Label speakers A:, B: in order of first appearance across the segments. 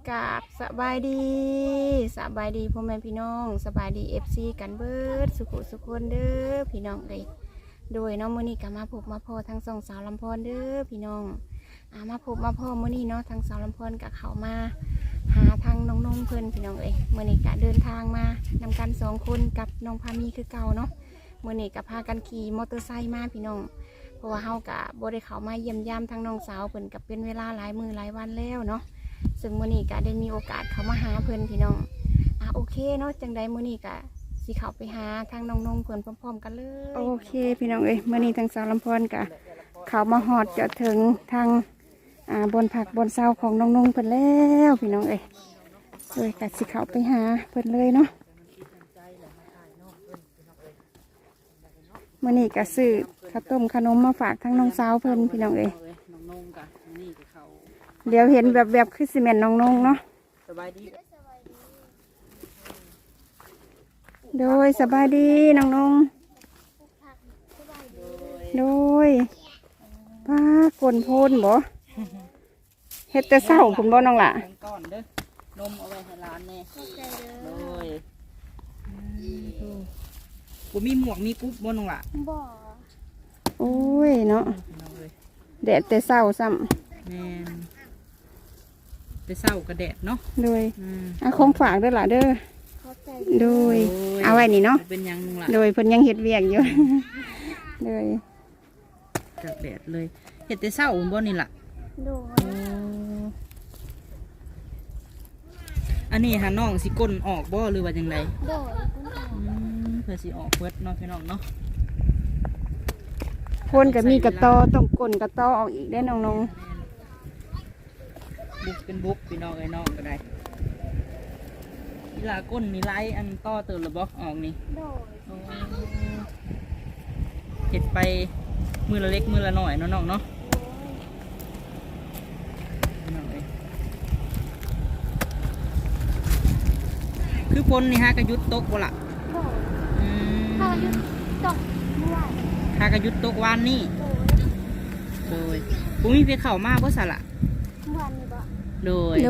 A: กราบสบายดีพ่อแม่พี่น้องสบายดีFCกันเบิดสุขุสุขคนเด้อพี่น้องเลยโดยน้องมื้อนี้ก็มาพบมาพ่อทั้งสองสาวลำพรเด้อพี่น้องมาพบมาพ่อมื้อนี้เนาะทั้งสาวลำพรกับเขามาหาทางน้องเพิ่นพี่น้องเอ้ยมื้อนี้ก็เดินทางมานำกัน2คนกับน้องพามีคือเก่าเนาะมื้อนี้ก็พากันขี่มอเตอร์ไซค์มาพี่น้องเพราะว่าเฮาก็บ่ได้เข้ามาเยี่ยมยามทางน้องสาวเพิ่นก็เป็นเวลาหลายมื้อหลายวันแล้วเนาะซึ่งมื้อนี้ก็ได้มีโอกาสเข้ามาหาเพิ่นพี่น้องโอเคเนาะจังใดมื้อนี้ก็สิเข้าไปหาทางน้องเพิ่นพร้อมๆกันเลยโอเคพี่น้องเอ้ยมื้อนี้ทางสาวลำพรก็เข้ามาฮอดจะถึงทางบนผักบนเสาของน้องเพิ่นแล้วพี่น้องเอ้ยเลยก็สิเข้าไปหาเพิ่นเลยเนาะมื้อนี้ก็ซื้อข้าวต้มขนมมาฝากทั้งน้องสาวเพิ่นพี่น้องเอ้ยเดี๋ยวเห็นแบบคือซีเมนต์น้องเนาะสบายดีโดยสบายดีน้องโดยป้ากลนโพนบ่เฮ็ดแต่เศร้าคุณบ่น้องล่ะก้อนเด้อนมเอาไว้ให้ร้านแน่โดยบ่มีหมวกมีกุ๊บบ่น้องล่ะบ่โอ้ยเนาะแดดแต่เศร้าซ้ำแม่นแต่เศร้ากระแดดเนาะโดยของฝากเด้อล่ะเด้อโดยเอาไว้นี่เนาะเป็นยังล่ะโดยเพิ่นยังเฮ็ดเวียกอยู่โดยจากแดดเลยเฮ็ดแต่เศร้าบ่นี่ล่ะโดยอันนี้หาน้องสิก้นออกบ่หรือว่าจังไดโดยเพื่อสิออกเบิดเนาะพี่น้องเนาะคนก็มีกระตอต้องก้นกระตอออกอีกได้น้องบุกเป็นบุกพี่น้องไอ้น้องก็ได้อีหลาก้นมีไล่อันต่อเติมระบบออกนี่เห็ดไปมือละเล็กมือละหน่อยน้องเนาะคือพลนี่ฮะกระยุดตกบ่ละฮากระยุดตกเมื่อวานฮากระยุดตกวันนี่โดยผมมีไปเข่ามากเพราะสละวันนี้บ่โดย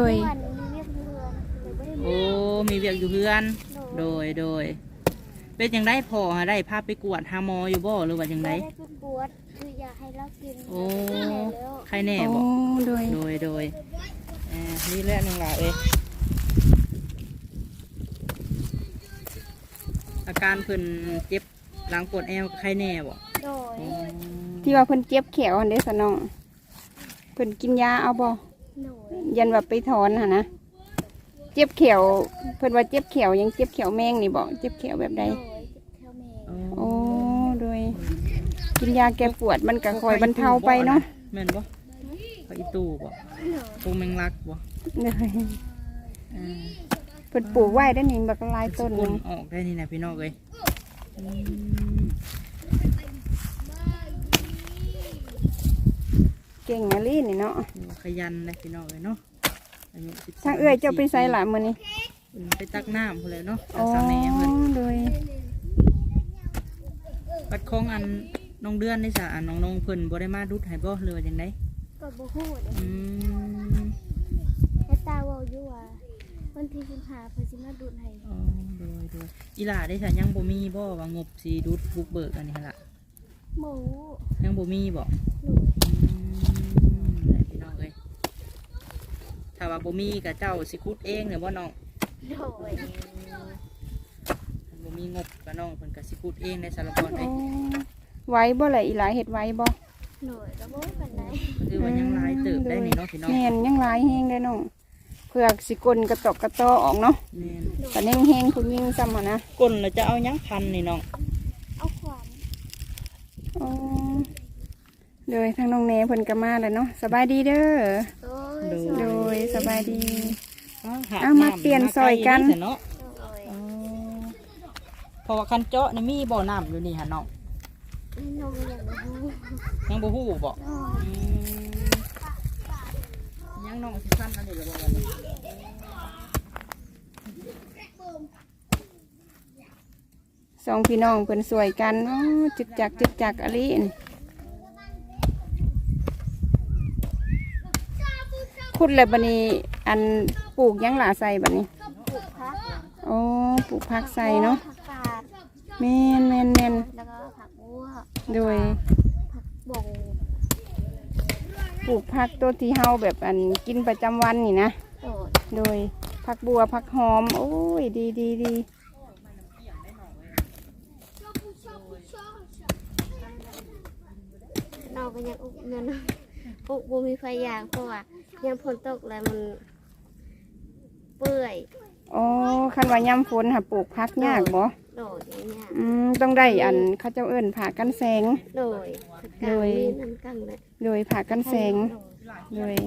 A: โอ้มีเวียกอยู่เพื่อนโดยเป็นยังได้พอได้พาไปกวดหาหมออยู่บ่หรือว่ายังไงได้ไปกวดคืออยากให้เรากินโอ้ใครแน่บ่โดยนี่แหละนึงล่ะอาการเพิ่นเจ็บหลังปวดแอวใครแน่บ่โดยที่ว่าเพิ่นเจ็บแขวอันเด้อสน้องเพิ่นกินยาเอาบ่ยันแบบไปถอนนะเจ็บเขียวเพิ่นว่าเจ็บเขียวยังเจ็บเขียวแมงนี่บอกเจ็บเขียวแบบใดโอ้โดยกินยาแก้ปวดมันก็คอยบรรเทาไปเนาะแม่นบ่ไปอีตู้บ่ปูแมงลักบ่เลยเพิ่นปลูกไว้ได้นี่บักลายต้นนึงออกได้นี่นะพี่น้องเอ้ยเก่งอะลี่นี่เนาะขยันเลยพี่น้องเลยเนาะทางเอื้อยเจ้าไปใส่หลานมือนี่ไปตักน้ำคนเลยเนาะสาวแม่เพิ่นโดยปัดคองอันน้องเดือนได้สะอันน้องเพิ่นบ่ได้มาดุดให้บ่เรือจังไดก็บ่ฮู้แต่ตาเว้าอยู่ว่าวันที่15เพิ่นสิมาดุดให้โดยอีหล่าได้สะยังบ่มีบ่ว่างบสิดุดบุกเบิกอันนี้ล่ะบ่ยังบ่มีบ่ถ้าว่าบ่มีกับเจ้าสิคุดเองเนี่ยบ่น้องบ่มีงบกับน้องเพิ่นก็สิคุดเองในสารพัดเลยไว้บ่เลยอีหลายเฮ็ดไว้บ่หน่อยก็บ่ปานใดคือว่ายังหลายเติบได้นี่เนาะพี่น้องแม่นยังหลายแฮงได้น้องเพื่อสิกลกระตอกกระตอออกเนาะแม่นแต่แฮงคุณยิ่งซ้ำหั่นนะกลแล้วจะเอายังพันนี่น้องเอาขวานโดยทางน้องเนเพิ่นก็มาแล้วเนาะสบายดีเด้อโดยสบายดีเอามาเปลี่ยนซอยกันเพราะว่าคันเจาะนี่มีบ่อน้ำอยู่นี่ฮะน้องยังบ่ฮู้บ่ยังน้องสิคันอันนี้หรือบ่กันสองพี่น้องเพิ่นสวยกันจึกจักอะลิขุดเลยบัดนี้อันปลูกหยังหลาใส่บัดนี้
B: ปลูกผัก
A: โอ้ปลูกผักใส่เนาะ
B: ผักกาด
A: แม่นแม่นแม่น
B: แล้วก็ผักบัว
A: โดย
B: ผักบง
A: ปลูกผักตัวที่เฮาแบบอันกินประจำวันนี่นะ
B: โดด
A: โดยผักบัวผักหอมโอ้ยดีดีดี
B: เราก็ยังอุกเงินอุกบ่มีไฟยางเพราะว่ายังฝนตกแล้วมันเปื่อย
A: อ๋อคันว่ายามฝนค่ะปลูกผักยากบ่
B: โดดอย่างเงี้ย
A: ต้องได้อันเขาเจ้าเอิ้นผ่ากันแสง
B: โดยผักกาดมีน้ำกังเลย
A: โดยผ่ากันแสงโดย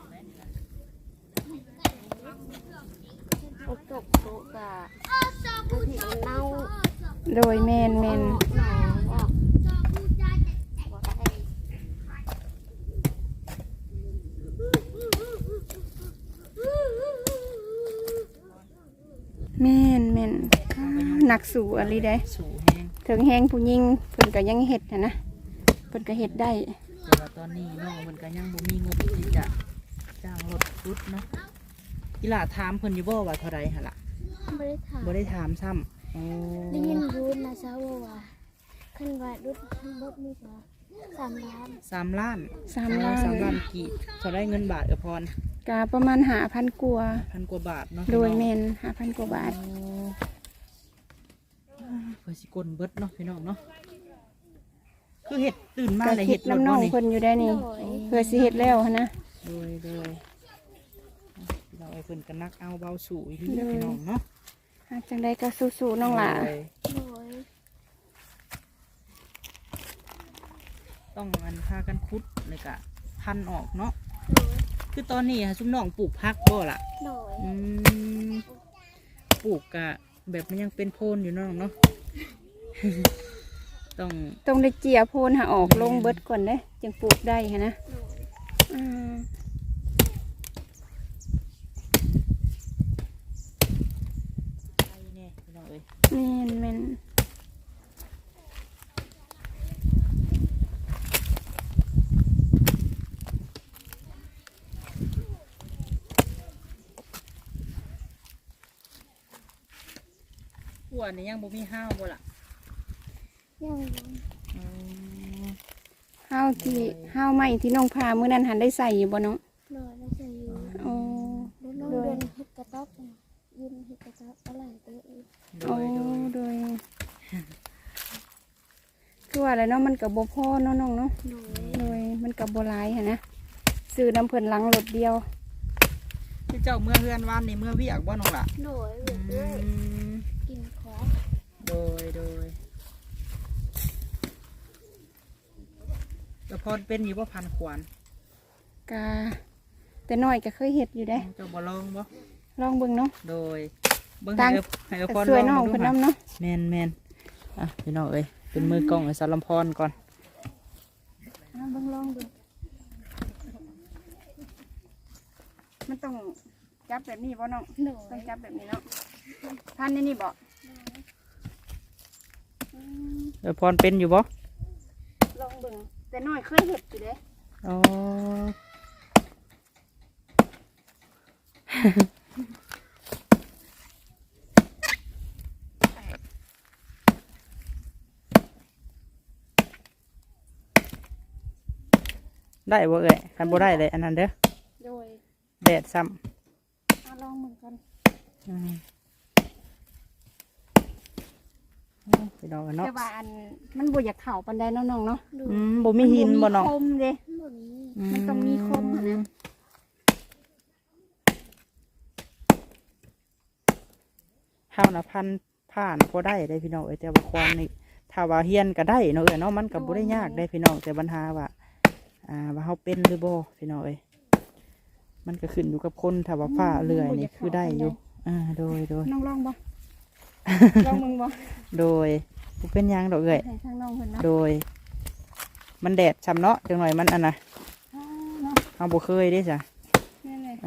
B: ฝนตกโตกะบางทีมันเน่า
A: โดยแมนแมน
B: หนองออกบ่ได้
A: แมนแมนหนักสู่อะไรได้
C: สู่แห้ง
A: ถึงแห้งผู้ยิงเพิ่นก็ยังเฮ็ดนะเพิ่นก็เฮ็ดได้
C: แต่ว่าตอนนี้น้องมันก็ยังบ่มีงบที่จะจ้างรถรุดเนาะอีหล่าถามเพิ่นอยู่บ่ว่าเท่าไรหั่นล่ะ
B: ไม่ได้ถาม
C: บ่ได้ถามซ้ำโอ้
B: ได้ยินดูนะเช้าว่าขึ้นว่าดุดทั้งหมดมีกว่า3 ล้าน
C: 3 ล้าน
A: 3 ล้าน
C: 3 ล้านกี่เท่าไรเงินบาทเออพร
A: กาประมาณ5,000กว่า
C: พันกว่าบาทเนาะ
A: โดย
C: พี่
A: แม
C: น้อง
A: น5,000กว่าบาท
C: โอ้เพื่อสิกลเบิดเนาะพี่น้องเนาะคือเฮ็ดตื่นมา
A: ก็
C: เลย
A: คิ
C: เฮ็
A: ด
C: ดรถ
A: น้ำน้อง
C: เนาะนี่
A: เพิ่นอยู่ได้นี่เพื่อสิเฮ็ดแล้วหั้นนะ
C: โดยเราไอ้เพิ่นก็นักเอาเบาสู่อีกทีพี่น้องเนาะ
A: จังใดก็สู้ๆน้องหล่ะ
C: โดย
B: โดย
C: ต้องอันพากันคุดเลยกะพันออกเนาะ
B: โดย
C: คือตอนนี้ซุมน้องปลูกพักบ่ล่ะ
B: โดย
C: อืมปลูกกะแบบมันยังเป็นโพนอยู่เนาะน้องเนาะ ต้อง
A: ต้องได้เจียโพนหาออกลงเบิดก่อนเด้จึงปลูกได้หั้นนะ
B: โดย
A: อืม
C: ไปแน่พี่น้องเอ้ย
A: แม่นแม่น
C: หัวนี่ยังบ่มีห้าวบ่ล่ะ
B: ยังอยู่
C: อืม
A: ข้าวที่ข้าวใหม่ที่น้องพามื้อนั้นหันได้ใส่อยู่บ่น้อง
B: โดยแล้วจะอยู่
A: โอ้
B: แล้วน้องเดินเฮ็ดกระต๊อบน่ะยืนเฮ็ดกระต๊อบอะไรเด้อ
C: โด
A: โอ้
C: ยโดย
A: โดยคือว่าอะไรเนาะมันกับบ่พอเนาะน้องเนาะ
B: โดย
A: โดยมันกับบ่หลายหั้นนะซื้อน้ำเพิ่นหลังรถเดียว
C: คือเจ้าเมื่อเฮือนวานนี่เมื่อเวียกบ่น้องล่ะ
B: โดยเรื่อยเรื่อย
C: อืม
B: กินของ
C: โดยแล้วพอเป็นอยู่บ่พันขวาน
A: กาแต่น้อยก็เคยเฮ็ดอยู่ได้
C: เจ้าบ่ลองบ่
A: ลองเบิ่งเนาะ
C: โดยเบิ่ง
A: ตั้ง
C: ให้เอาพร
A: สวยน้อง
C: ดู
A: เพิ่น
C: ค่ะ
A: นำเนาะ
C: แม่นอ่ะพี่น้องเอ้ยเป็นมือกล้องไอ้สารลำพรก่อน
A: เบิ่งลองดูมันต้องจับแบบนี้บ่น้อง
B: โด
A: ต้อย งจับแบบนี้เนาะพันนี่นี่บ่
C: ไอ้พรเป็นอยู่บ่
A: ลองเบิ่งแต่น้อยเคยเฮ็ดอยู่เด้
C: อ๋อ ได้บ่เอ้ยคันบ่ได้เลยอันนั้นเด้อ
A: โดย
C: แดดซ้
A: เอาลองเบิ่งก่อน
C: ำพี่น้องเนาะ
A: แต่ว่าอันมันบ่อยากเข้าปานใดเนาะน้องเนาะ
B: โดย
C: บ่มีหินบ่น้อง
A: คมเด้
B: บ่มี
A: มันต้องมีคมอะนะ
C: ข้าวนะพันผ่านพอได้ได้พี่น้องเอ้ยแต่ว่าความนี่ถ้าว่าเฮียนก็ได้เนาะเอ้ยเนาะมันก็บ่ได้ยากได้พี่น้องแต่ปัญหาว่าว่าเฮาเป็นหรือบ่พี่น้องเอ้ยมันก็ขึ้นอยู่กับคนถ้าว่าฟ้าเลื่อยนี่คือได้อยู่โดย
A: น้องลองบ่ ลองมึงบ่
C: โดยบ่เป็นหยังดอกเอ้ย
A: ให้ทางน้องเพิ่นเนาะ
C: โดย มันแดดช้ำเนาะจังหน่อยมันอันน่ะ
A: เนาะ
C: เฮาบ่เคยเด้จ้ะ
A: นี่เลย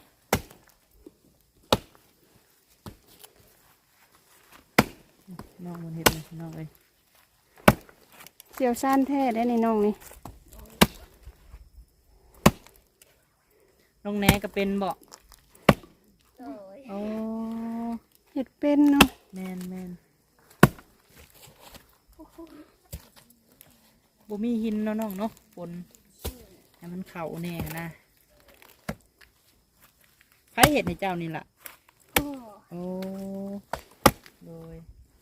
C: น้องมันเฮ็ดเลยน้องเอ้ย
A: เสี่ยวซ่านแท้ได้ในน้องนี่
C: น้องแหนก็เป็นบ่
B: โดย
C: โอ้
A: เฮ็ดเป็นเนาะ
C: แม่นบ่มีหินเนาะน้องเนาะปนให้มันเข้าแน่นะใครเฮ็ดให้เจ้านี่ล่ะ
B: พ่อ
C: โอ้โดย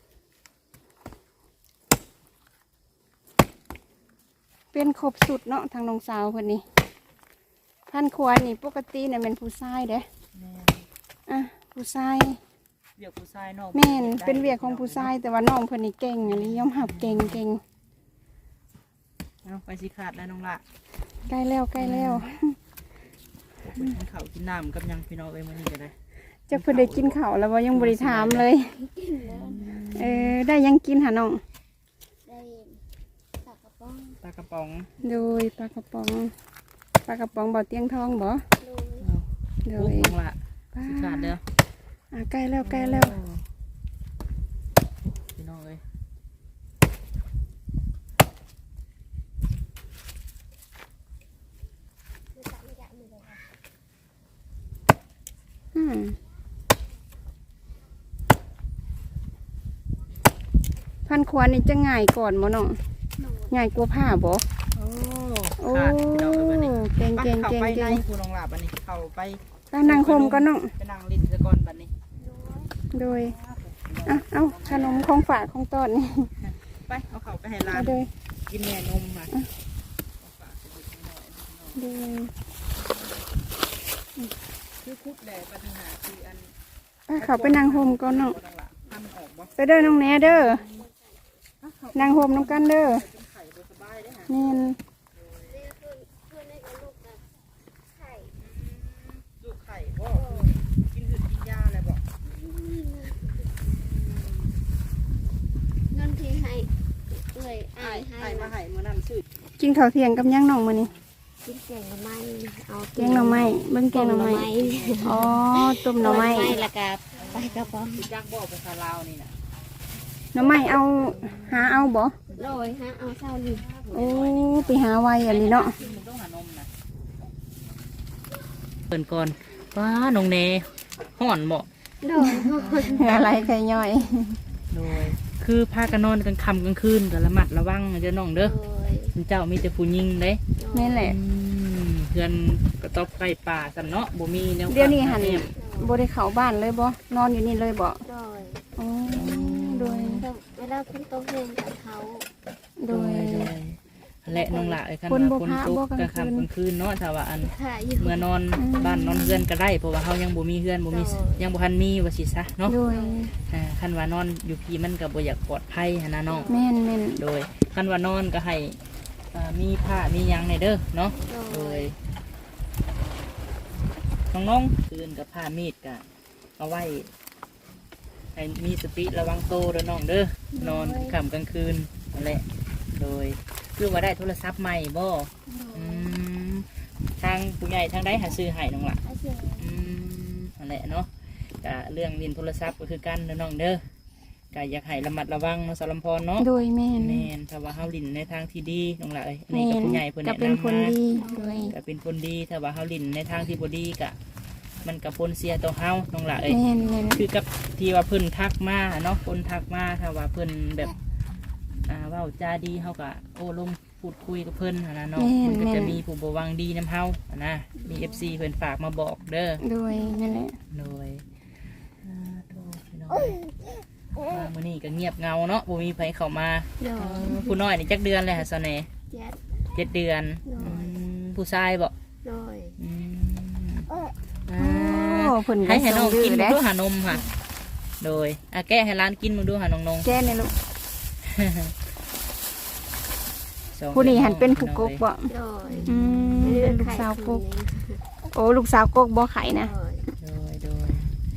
A: เป็นครบสุดเนาะทางน้องสาวเพิ่นนี่พันควรนี่ปกติเนี่ยเป็นผู้ชายเด้
C: แม่น
A: อ่ะผู้ชาย
C: เวียกผู้ชายเนาะ
A: แม่นเป็นเวียกของผู้ชายแต่ว่าน้องเพิ่นนี่เก่งอันนี้ยอมรับเก่ง
C: เอาไปสิขาดแล้วน้องละ
A: ใกล้แล้ว
C: ไปกินข้าวกินน้ำกับหยังพี่น้องเอ้ยมื้อนี้ก็ได้
A: จักเพิ่นได้กินข้าวแล้วบ่ยังบ่ได้ถามเลยได้ยังกินหาน้อง
B: ได้ปากกระป๋อง
C: ปลากระป๋อง
A: โดยปลากระป๋องบ่เตียงทองบ่
B: โดย
A: โด
C: โอ้
A: ย
C: น้องละสิขาดเด้อ
A: ใกล้แล้ว
C: พี่น้องเอ้ย
A: พันควรนี่จะง่ายก่อนบ่น้องง่ายกว่าผ้าบ่
C: โอ้
A: โอ้
C: ขาดพี่น้องเอ้ยบัดนี้
A: เก่ง
C: ไปเข้าไปในผู้น้องละบัดนี้เข้าไป
A: ก็นั่งคมก็น้อง
C: ไปนั่งลิ้นซะก่อนบัดนี้
A: โดยเอาขนมของฝากของต้นนี่
C: ไปเอาเข้าไปให้หลา
A: เอา
C: น
A: โดย
C: กินแม่นมมา
A: โดย
C: คือคุบแหละปัญหาคืออัน
A: เขาไปนั่งโฮมก่อนน้อง
C: บ่น้องละทำออกบ่
A: ไปเด้อน้องแหน่เด้อนั่งโฮมน้องกันเด้อ
C: เป็นไข่บ่สบายเด้อฮะ
A: นี่น
B: เพื่อนได้กับลูกกับไข่
C: ลูกไข่บ่กินหืดกินยาอะไรบ่
B: เงินที่ให้เลยอ้ายให้
C: ไข่มาให้มื้อนั้นซื้อ
A: กินข้าวเที่ยงกับย่างน้องมื้อนี้
B: กินแกงหน่อไม้เอา
A: แกงหน่อไม้เบิ่งแกงหน่อไม้อ๋อต้มหน่อไม้
B: แล้วก็ไปกระป๋อง
C: สิจักบ่ภาษาลาวนี่น่ะ
A: หน่อไม้เอาหาเอาบ่
B: โดยฮะเอาเศร้าดิ
A: โอ้ไปหาไวอันนี้เนาะ
C: มึงต้องหานมนะเปิ่นก่อนว้าน้องเนห่อนบ่
B: โดย
A: อะไรไข่ย่อย
C: โดยคือพากันนอนกลางค่ำกลางคืนก็ระมัดระวังเด้อน้องเด้อ
B: โดย
C: เจ้ามีแต่ผู้หญิงเด้
A: นี่แหละ
C: เพื่อนกระต๊อบไก่ป่าสำเนาะบ่มีแนว
A: เดี๋ยวนี้หัน
C: แนว
A: บ่ได้เข้าบ้านเลยบ่นอนอยู่นี่เลยบ่
B: โดย
A: อ๋อโดย
B: เวลาคุณโตเองกับเขา
A: โดย
C: และน้องละไอ้คัน
A: คนบ่
C: ว่าคน
A: พระ
C: ตก
A: บ่
C: ก
A: ก
C: ลา
A: ลาง งคืน
C: ค่ำกลางคืนเนาะถ้าว่าอัน
B: ค่ะอยู่
C: เมื่อนอนบ้านนอนเฮือนก็ได้เพราะว่าเฮายังบ่มีเฮือนบ่มียังบ่ทันมีว่าสิซะเนาะ
A: โดย
C: คันว่านอนอยู่พี่มันก็บ่อยากปลอดภัยหันนะน้อง
A: แม่น
C: โดยคันว่านอนก็ให้มีผ้ามีหยังในเด้อเนาะ
B: โด
C: โด
B: ย
C: ยน้องๆคืนกับผ้ามีดก็เอาไว้ให้มีสติระวังโตเด้อน้องเด้อนอนค่ำกลางคืนนั่นแหละโดยคือว่าได้โทรศัพท์ใหม่บ่อืมทางผู้ใหญ่ทางใดหาซื้อให้น้องล่ะ
B: อาเซียน
C: นั่นแหละเนาะกะเรื่องเรียนโทรศัพท์ก็คือกันเด้อน้องเด้อกะอยากให้ระมัดระวังเนาะสารมพรเนาะ
A: ๆโดยแม่น
C: แม่นถ้าว่าเฮาลินในทางที่ดีน้องล่ะเอ้ยอันนี้
A: แม่
C: ก็
A: น
C: ผู้ใหญ่เพิ่น
A: ก็
C: แนะ
A: เป็น
C: นำ
A: คน
C: มา
A: ดีโดย
C: ก็เป็นคนดีถ้าว่าเฮาลินในทางที่บ่ดีกะ มันก็ผลเสียต่อเฮาน้องล่ะเอ้ย
A: แม่น
C: คือกับที่ว่าเพิ่นทักมาเนาะคนทักมาถ้าว่าเพิ่นแบบเว้าจาดีเฮาก็โอ้ลมพูดคุยกับเพิ่นหั้นนะเนาะมันก็จะมีผู้บ่หวังดีนํเฮาหั้นนะมี FC เพิ่นฝากมาบอกเด้อ
A: โดยนั่นแหละ
C: โดยโทษพี่น้องมามื้อนี้ก็เงียบเงาเนาะบ่มีไผเข้ามา
B: โดย
C: ผู้น้อยนี่จักเดือนเลยฮะซะแหน่
B: เจ็ด
C: 7 เดือนผู้ชายบ่
B: โดย
C: อืม
A: โอ้เพิ่น
C: ให้น้อง
A: ดื้
C: กิน
A: อ
C: มึง
A: เด้
C: ดูหานมค่ะ โดยแก้ให้ร้านกินมึงดูหาน้อง
A: แก้นี่ลูก
C: ๆสอง
A: ผู้นี้หันเป็นผู้กกบ่
B: โดย
A: เป็นลูกสาวกกโอ้ลูกสาวกกบ่ไข่นะ
C: โดย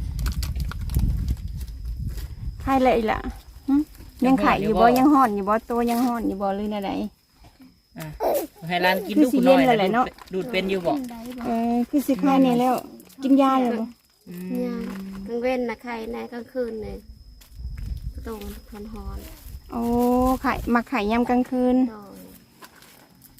A: ไข่เลยล่ะหึยังไข่อยู่บ่ยังห่อนอยู่บ่ตัวยังห่อนอยู่บ่หรืออะไร
C: อ่ะให้ร้านกิน
A: คือ
C: ดู
A: สิ
C: ผู้น้อย
A: เย็นเลยแหละเนาะ
C: ดูดเป็นอยู่บ่
A: คือสิไข่นี่แล้ว กินยาเลยบ่
C: อื
B: เนี่ย
C: ม
B: กลางเว้นนะใครในกลางคืนเลยตรงทอนฮอน
A: โอ้ไข่มาไข่ยามกลางคืน
B: โดย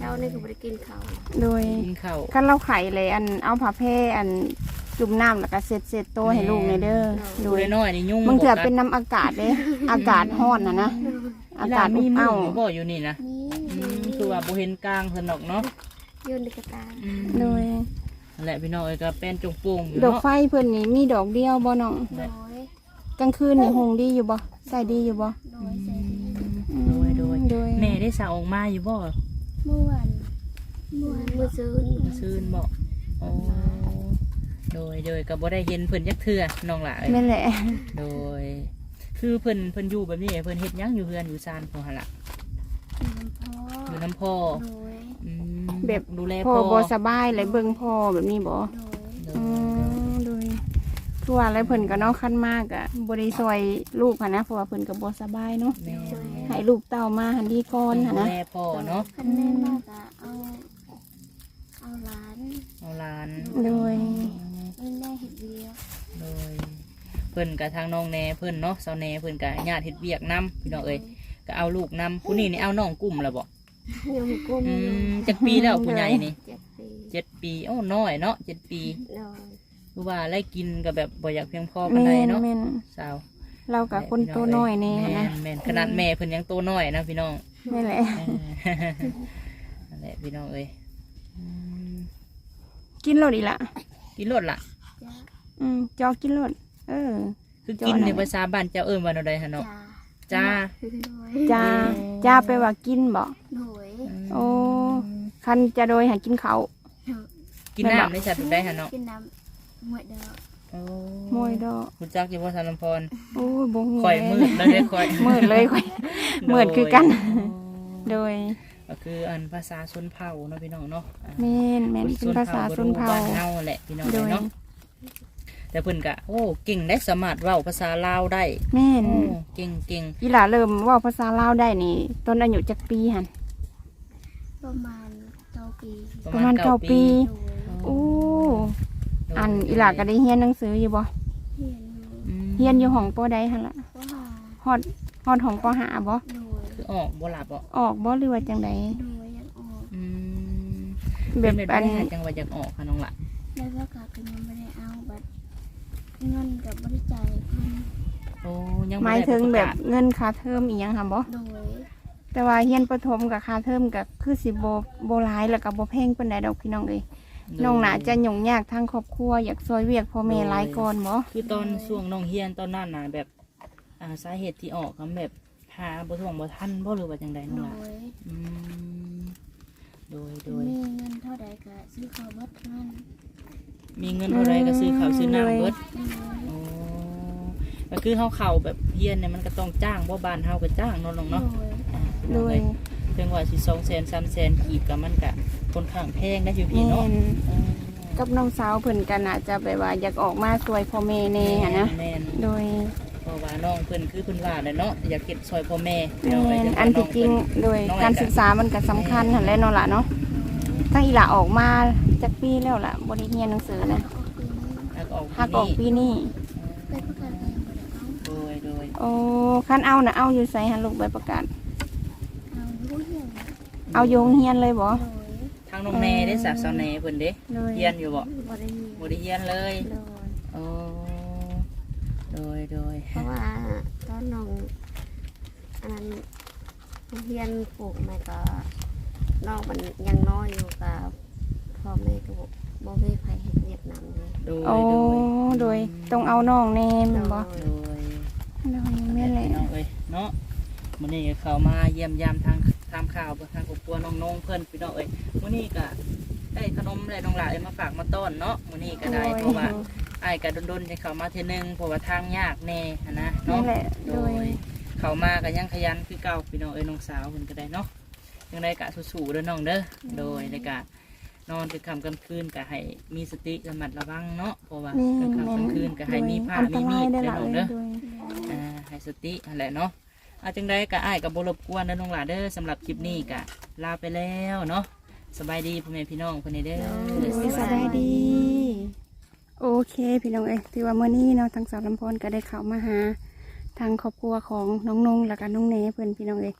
B: เจ้านี่ก็บ่ได้กินข้าว
A: โดย
C: กินข้าว
A: คันเราไข่เลยอันเอาผ้าแพร่อันจุ่มน้ำแล้วก็เสร็จโตวให้ลูกในเด้อโด
C: ดู
A: ย
C: น้อยๆนี่ยุ่ง
A: บางเถื่อ
C: กั
A: เป็นน้ำอากาศเด้ อากาศร้อนนะอากาศ
C: มี
A: อบ
C: มื
A: อ้าว
C: บ่อยู่นี่นะ
B: นี่
C: คือว่าบ่เห็นกลางเพิ่นดอกเนาะ
B: ยืนในกระตา
A: โดย
C: นั่นแหละพี่น้องเอ้ยก็เป็นจงโป่งอยู่
A: ดอก
C: เนาะ
A: ไฟเพิ่นนี่มีดอกเดียวบ่น้อง
B: โดย
A: กลางคืนนี่หงดีอยู่บ่ใส่ดีอยู่บ่
B: โดยใส่ดี
A: โดย
C: แม่ได้สาวออกมาอยู่บ่
B: เมื่อวันมื้อซื้อ
C: ซื่นบ่โอ้โดยก็บ่ได้เห็นเพิ่นจักเทื่อน้องหล่ะเอ้ย
A: แม่นแหละ
C: โดย คือเพิ่นอยู่แบบนี้เพิ่นเฮ็ดหยังอยู่เฮือนอยู่ซานพอหั่นล่ะ
B: น้ำพ่อ
C: อยู่น้ำพ่อ
B: โดย
C: อืม
A: แบบ
C: ดูแล
A: พ่อ
C: พ่อ
A: บ่สบายเลยเบิ่งพ่อแบบนี้บ่
B: โดย
C: โด
A: อื
C: ย
A: มโดยทั่วอะไรเพิ่นก็เนาะคันมากอ่ะบ่ได้ช่วยลูกหันนะเพราะว่าเพิ่นก็บ่สบายเนาะ
C: แม่
A: ให้ลูกเต้ามาหันดีก่อนหัน
C: ดู
A: นะ
C: แลพ่อเนาะ
B: คันแม่มากอะเอาหลาน
C: เอาหลาน
A: โดย
B: แม่เห็ดเวียก
C: โดยเพิ่นกับทางน้องแหน่เพิ่นเนาะเซาแหน่เพิ่นกับญาติเฮ็ดเวียกนํพี่น้องเอ้ยก็เอาลูกนํผู้นี้นี่เอาน้องกุ้มแล้วบ่
B: ยังกุ้ม
C: จักปีแล้วผู้ใหญ่นี่
B: 7 ปี
C: 7 ปีโอ้น้อยเนาะ7 ปี
B: โดย
C: คือว่าไล่กินก็แบบบ่อยากเพียงพอปาน
A: แม่
C: ใด
A: น
C: เนาะ
A: แม่น
C: สาว
A: เรากับคนโตน้อยแน่หั้นนะ
C: แม่นขนาดแม่เพิ่นยังโตน้อยนะพี่น้อง
A: แม่นแหละ
C: นั่นแหละพี่น้องเอ้ยอืม
A: กินรถอีกละ
C: กินรถล่ะ
B: จ้า
A: จอกินรถ
C: คือกินในภาษาบ้านเจ้าเอิ้นว่าแนวใดหั่นเนาะ
B: จ้า
C: จ้า
B: โดย
A: จ้าไปว่ากินบ่
B: โดย
A: โอ้คันจะโดยหากินเขาว
C: กินน้ำได้จัดได้หั่นเนาะ
B: กินน้ำหมวยเด้อ
C: โอ้
A: มวยดอก
C: รู้จักอยู่บ่สารลำพร
A: โอ้ยบ่ฮู้
C: ข่อยมืดแล้วได้ข่อย
A: มืดเลยข่อยมืดคือกัน โดย
C: ก็คืออันภาษาชนเผ่าเนาะพี่น้องเนาะ
A: แม่นแม่นเป็นภาษาชนเผ่า
C: บ้านเฮาแหละพี่น้อง
A: โดย
C: เนาะแต่เพิ่นก็โอ้เก่งได้สามารถเว้าภาษาลาวได้
A: แม่น
C: โอ้เก่ง
A: อีหล่าเริ่มเว่าภาษาลาวได้นี่ตอนอายุจักปีหั่น
B: ประมาณ9 ปี
C: ๆ
A: ประมาณ9 ปี
B: โดย
A: โอ้
C: โดย
A: อันอีหล่าก็ได้เรียนหนังสืออยู่บ่
B: เรียนอยู่
A: เรียนอยู่ห้องปอใดหั่นล่ะ
B: ก็หา
A: ฮอดห้องปอห้าบ่
B: โดย
C: คือออกบ่หลับบ่
A: ออกบ่หรือว่าจังได
B: โดยยังออก
C: อืม
A: แบบ
C: เป็น
A: อัน
C: ได้จังว่าอยากออกค่ะน้องล่ะ
B: แล้วก็กลับกันยังไม่ได้เอาบัตรเงินกับบริจาคเพิ่น
C: โอ้ยัง
A: ห
C: บ่
A: มาย
C: ได้
A: ถึง
C: ประ
A: แบ
C: กา
A: บ
C: ศ
A: เงินค่าเทอมอีหยังค่ะบ่
B: โดย
A: แต่ว่าเรียนประถมกับค่าเทอมก็คือสิบ่หลายแล้วก็บ่แพงปานใดดอกพี่น้องเอ้ยน้องน่าจะยุ่งยากทางครอบครัวอยากซอยเวียกพ่อแม่หลายก่อนบ่
C: คือตอนช่วงน้องเฮียนตอนนั้นน่ะแบบสาเหตุที่ออกก็แบบหาบ่ท่วงบ่ทันบ่หรือว่าจังใดน้อง
B: โด
C: ล่ะ
B: ย
C: อืมโดย
B: มีเงินเท่าใดก็ซื้อข้าวบัตรเงิน
C: มีเงินเท่าไรก็ซื้อข้าวซื้อน้ำเบิด
B: โดย
C: โอ้ก็คือเฮาเข้าแบบเฮียนเนี่ยมันก็ต้องจ้างบ่บ้านเฮาก็จ้างเนาะน้อง
B: โด
C: เนาะ
B: ย
A: โดย
C: เพียงว่าสิ200,000 300,000กีบก็มันก็ค่อนข้างแพงได้อยู่พี่
A: แม่
C: เนาะ
A: นกับน้องสาวเพิ่นกันน่ะจะแบบว่าอยากออกมาซวยพ่อแม่แน่หันนะ
C: แม่น
A: โดย
C: เพราะว่าน้องเพิ่นคือเพิ่นว่าแหละเนาะอยากเก็บซอยพ่อแม่พี่
A: แม่
C: น้องเอ้ย
A: น
C: แต่ว่า
A: อันที่จริง
C: น้อ
A: โดย
C: น้อง
A: การศึกษามันก็สำคัญหั่นแหละเนาะล่ะเนาะตั้งอีหล่าออกมาจักปีแล้วล่ะบ่ได้เรียนหนังสือนะ
B: ออกปีนี้
C: แล้วก็ออก
A: หักออกปีนี้
B: ไปประกาศเรียนบ่ได้เอา
C: โดย
A: โอ้คันเอาน่ะเอาอยู่ไสหั่นลูกใบประกาศ
B: เอาผู้เหียน
A: เอาโยงเฮียนเลยบ่
B: โดย
C: ทางน้องแน่ได้สาวสาวแน่เพิ่นเด้
A: โดย
C: เฮียนอยู่บ่
B: บ่ได้เรียน
C: บ่ได้เฮียนเลย
B: โดย
C: โอ้โดย
B: เพราะว่าตอนน้องอันนั้นเรียนปลูกแม่ก็น้องมันยังน้อยอยู่กับพ่อแม่ก็บ่มีใครเห็นเวียดนามเลย
C: โดย
A: โอ้โดยต้องเอาน้องแน่แม่นบ่
C: โดย
A: โดยแม่นแหละ
C: พี่น้องเอ้ยเนาะมื้อนี้ก็เข้ามาเยี่ยมยามทางตามข่าวทางครอบครัวน้องๆเพิ่นพี่น้องเอ้ยมื้อนี้ก็ได้ขนมได้น้องหลายมาฝากมาต้อนเนาะมื้อนี้ก็ได้เพราะว่าอ้ายก็ดนๆจะเข้ามาเทื่อนึงเพราะว่าทางยากแน่หั้นนะ
A: นั่
C: เนาะ
A: นแหละ
C: โด
A: โดย
C: ยเข้ามาก็ยังขยันคือเก่าพี่น้องเอ้ยน้องสาวเพิ่นก็ได้เนาะจังไดก็สู้ๆเด้อน้องเด้อโดยแล้วก็นอนกลางค่ำกลางคืนก็ให้มีสติระมัดระวังเนาะเพราะว่ากลางค่ำกลางคืนก็ให้มีผ้ามีมีด
A: ได้
C: เด้อ
A: ละ
C: น้อง
A: เล
C: เด้
A: ย
C: อ
A: โดย
C: ให้สตินั่นแหละเนาะอาจังได้ก็อ้ายกับบรบกวนเด้อน้องหลาเด้อสำหรับคลิปนี้ก็ลาไปแล้วเนาะสบายดีพ่อแม่พี่น้องคนนี้เด้อ
A: สบายดี โอเคพี่น้องเอ้ยถือว่าเมื่อนี้เนาะทางสาวลำพรก็ได้เข้ามาหาทางครอบครัวของน้องนงแล้วก็น้องเนเพื่อนพี่น้องเอ้ย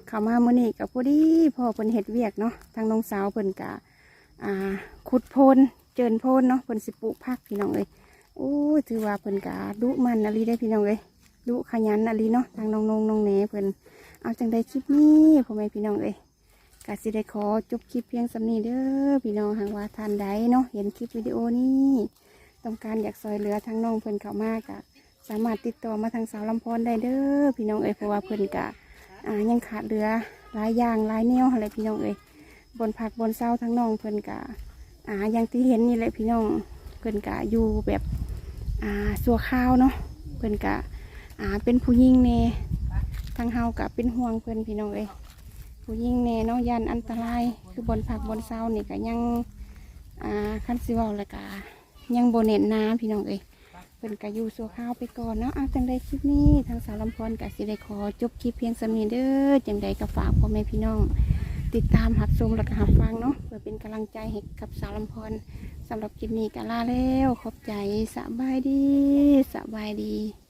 A: เข้ามามื้อนี้กับพอดีพ่อเพิ่นเฮ็ดเวียกเนาะทางน้องสาวเพิ่นกะขุดโพนเจินโพนเนาะเพิ่นสิปลูกผักพี่น้องเอ้ยโอ้ยถือว่าเพิ่นกะดุมันอะลีได้พี่น้องเอ้ยดุขยันอะลีเนาะทางน้องน้องแหนเพิ่นเอาจังได้คลิปนี้พ่อแม่พี่น้องเอ้ยกะสิได้ขอจบคลิปเพียงสำนี้เด้อพี่น้องหากว่าท่านใดเนาะเห็นคลิปวิดีโอนี้ต้องการอยากซอยเหลือทางน้องเพิ่นเข้ามากะสามารถติดต่อมาทางสาวลำพรได้เด้อพี่น้องเอ้ยเพราะว่าเพิ่นกะยังขาดเหลือหลายอย่างหลายแนวอะไรพี่น้องเอ้ยบนผักบนเศร้าทั้งน้องเพิ่นกะอย่างที่เห็นนี่แหละพี่น้องเพิ่นกะอยู่แบบสัวข้าวเนาะเพิ่นกะเป็นผู้หญิงเน่ทางเฮากะเป็นห่วงเพิ่นพี่น้องเอ้ยผู้หญิงเน่เนาะยันอันตรายคือบนผักบนเศร้านี่กะยังคันสิเว้าแล้วกะยังโบเน็ตนาพี่น้องเอ้ยเพิ่นกะอยู่สัวข้าวไปก่อนเนาะจังใดคลิปนี้ทางสาวลำพรกะสิได้ขอจบคลิปเพียงสำนี้เด้อจังใดก็ฝากพ่อแม่พี่น้องติดตามหับชมและก็หับฟังเนาะเพื่อเป็นกำลังใจให้กับสาวลำพรสำหรับคลิปนี้ก็ลาแล้วขอบใจสบายดี